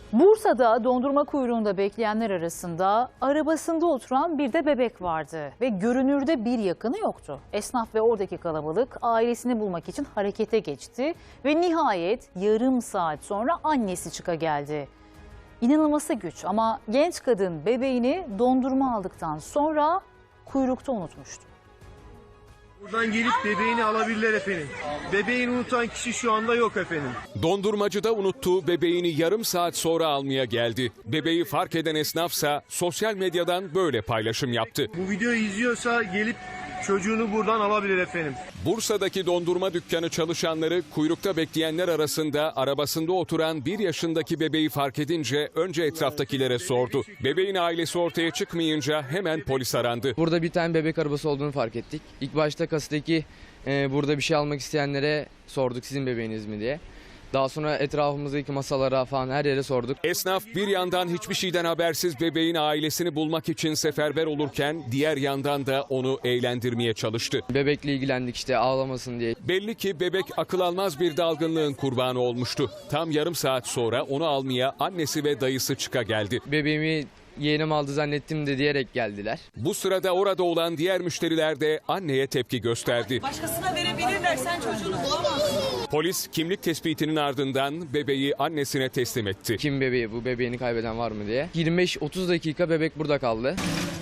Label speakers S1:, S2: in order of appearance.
S1: Bursa'da dondurma kuyruğunda bekleyenler arasında arabasında oturan bir de bebek vardı ve görünürde bir yakını yoktu. Esnaf ve oradaki kalabalık ailesini bulmak için harekete geçti ve nihayet yarım saat sonra annesi çıkageldi. İnanılması güç ama genç kadın bebeğini dondurma aldıktan sonra kuyrukta unutmuştu.
S2: Buradan gelip bebeğini alabilirler efendim. Bebeğini unutan kişi şu anda yok efendim.
S3: Dondurmacıda unuttuğu bebeğini yarım saat sonra almaya geldi. Bebeği fark eden esnafsa sosyal medyadan böyle paylaşım yaptı.
S2: Bu videoyu izliyorsa gelip çocuğunu buradan alabilir efendim.
S3: Bursa'daki dondurma dükkanı çalışanları kuyrukta bekleyenler arasında arabasında oturan 1 yaşındaki bebeği fark edince önce etraftakilere sordu. Bebeğin ailesi ortaya çıkmayınca hemen polis arandı.
S4: Burada bir tane bebek arabası olduğunu fark ettik. İlk başta kasadaki burada bir şey almak isteyenlere sorduk, sizin bebeğiniz mi diye. Daha sonra etrafımızdaki masalara falan her yere sorduk.
S3: Esnaf bir yandan hiçbir şeyden habersiz bebeğin ailesini bulmak için seferber olurken diğer yandan da onu eğlendirmeye çalıştı.
S4: Bebekle ilgilendik işte ağlamasın diye.
S3: Belli ki bebek akıl almaz bir dalgınlığın kurbanı olmuştu. Tam yarım saat sonra onu almaya annesi ve dayısı geldi.
S4: Bebeğimi yeğenim aldı zannettim de diyerek geldiler.
S3: Bu sırada orada olan diğer müşteriler de anneye tepki gösterdi.
S5: Başkasına verebilirler, sen çocuğunu bulamazsın.
S3: Polis kimlik tespitinin ardından bebeği annesine teslim etti.
S4: Kim bebeği, bu bebeğini kaybeden var mı diye. 25-30 dakika bebek burada kaldı.